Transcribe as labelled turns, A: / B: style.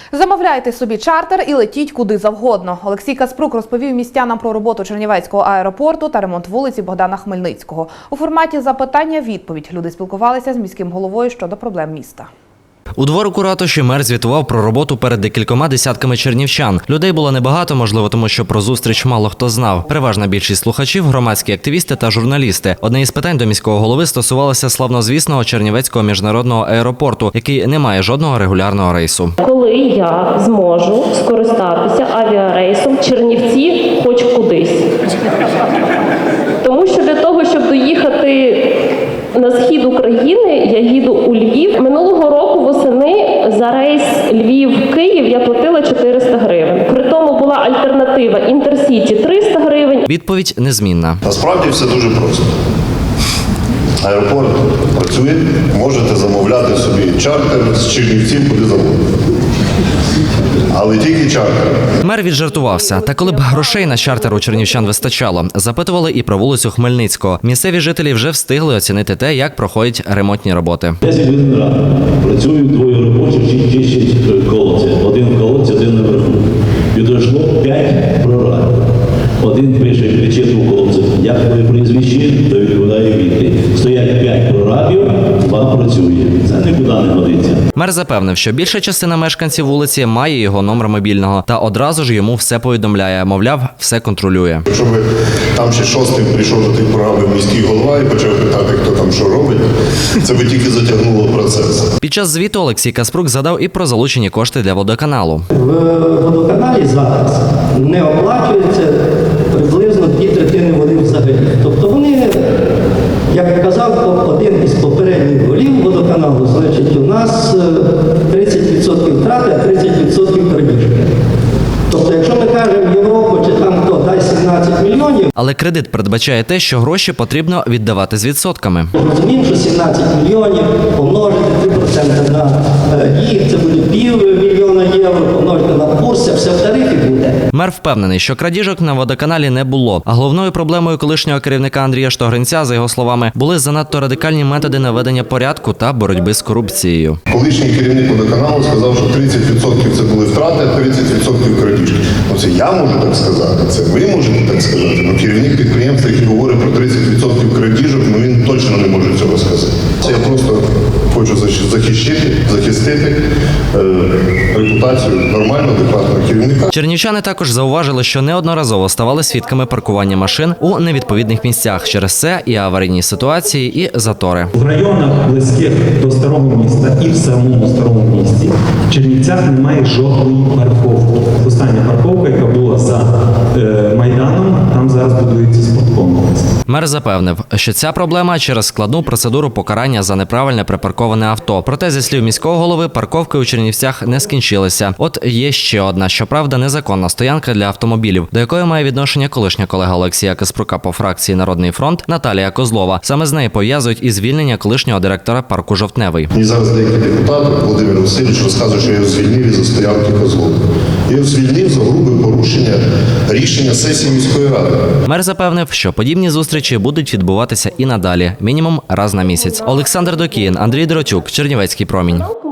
A: Замовляйте собі чартер і летіть куди завгодно. Олексій Каспрук розповів містянам про роботу Чернівецького аеропорту та ремонт вулиці Богдана Хмельницького. У форматі запитання-відповідь люди спілкувалися з міським головою щодо проблем міста.
B: У дворику ратуші мер звітував про роботу перед декількома десятками чернівчан. Людей було небагато, можливо, тому що про зустріч мало хто знав. Переважна більшість слухачів – громадські активісти та журналісти. Одне із питань до міського голови стосувалося славнозвісного Чернівецького міжнародного аеропорту, який не має жодного регулярного рейсу.
C: Коли я зможу скористатися авіарейсом Чернівці хоч кудись? Тому що для того, щоб доїхати на схід України, я їду у Львів. Минулого року восени за рейс Львів-Київ я платила 400 гривень. При тому була альтернатива Інтерсіті 300 гривень.
B: Відповідь незмінна.
D: Насправді все дуже просто. Аеропорт працює, можете замовляти собі чартер з Чернівців куди завгодно. Але тільки чартер.
B: Мер віджартувався. Та коли б грошей на чартер у чернівчан вистачало, запитували і про вулицю Хмельницького. Місцеві жителі вже встигли оцінити те, як проходять ремонтні роботи.
E: 10 годин рано. Працюють двоє робочих, чистять колодці. Один в колодці, один наверху. Підійшло 5 прорабів. Один пише, кричить у колодці, як твоє прізвище, то відповідає відповідь. Стоять 5 прорабів, 2 працює. Це нікуди не годиться.
B: Мер запевнив, що більша частина мешканців вулиці має його номер мобільного та одразу ж йому все повідомляє, мовляв, все контролює.
D: Якщо би там ще шостим прийшов до тих програм міський голова і почав питати, хто там що робить, це би тільки затягнуло процес.
B: Під час звіту Олексій Каспрук згадав і про залучені кошти для водоканалу.
F: В водоканалі зараз не оплачується приблизно 2/3 води взагалі. Тобто вони, як казав один із попередніх голів водоканалу, значить у нас 30% втрати, а 30% крадіжки. Тобто, якщо ми кажемо Європу чи там хто дай 17 мільйонів.
B: Але кредит передбачає те, що гроші потрібно віддавати з відсотками.
F: Розуміємо, що 17 мільйонів помножити 3% на їх, це буде півмільйона євро, помножити на курс, це все в тарифі буде.
B: Мер впевнений, що крадіжок на водоканалі не було. А головною проблемою колишнього керівника Андрія Штогринця, за його словами, були занадто радикальні методи наведення порядку та боротьби з корупцією.
D: Колишній керівник водоканалу сказав, що 30% це були втрати, а 30% крадіжки. Це я можу так сказати, це ви можете так сказати. Керівник підприємства, який говорить про 30% крадіжок, він точно не може цього сказати. Я просто хочу захистити репутацію нормального, адекватного керівника.
B: Чернівчани також зауважили, що неодноразово ставали свідками паркування машин у невідповідних місцях. Через це і аварійні ситуації, і затори.
G: В районах близьких до старого міста і в самому старому місті в Чернівцях немає жодної парковки. Остання парковка, яка була за Майданом, там зараз будується спорткомплекс.
B: Мер запевнив, що ця проблема через складну процедуру покарання за неправильне припарковане авто. Проте, зі слів міського голови, парковки у Чернівцях не скінчилися. От є ще одна, щоправда, незаконна стоянка для автомобілів, до якої має відношення колишня колега Олексія Каспрука по фракції «Народний фронт» Наталія Козлова. Саме з неї пов'язують і звільнення колишнього директора парку «Жовтневий».
D: Мені зараз деякі депутати, Володимир Васильович, розказує, що я його звільнив із-за стоянки Козлова. Я його звільнив за грубе порушення рішення сесії міської ради.
B: Мер запевнив, що подібні зустрічі будуть відбуватися і надалі, мінімум раз на місяць. Олександр Докіїн, Андрій Дротюк, Чернівецький промінь.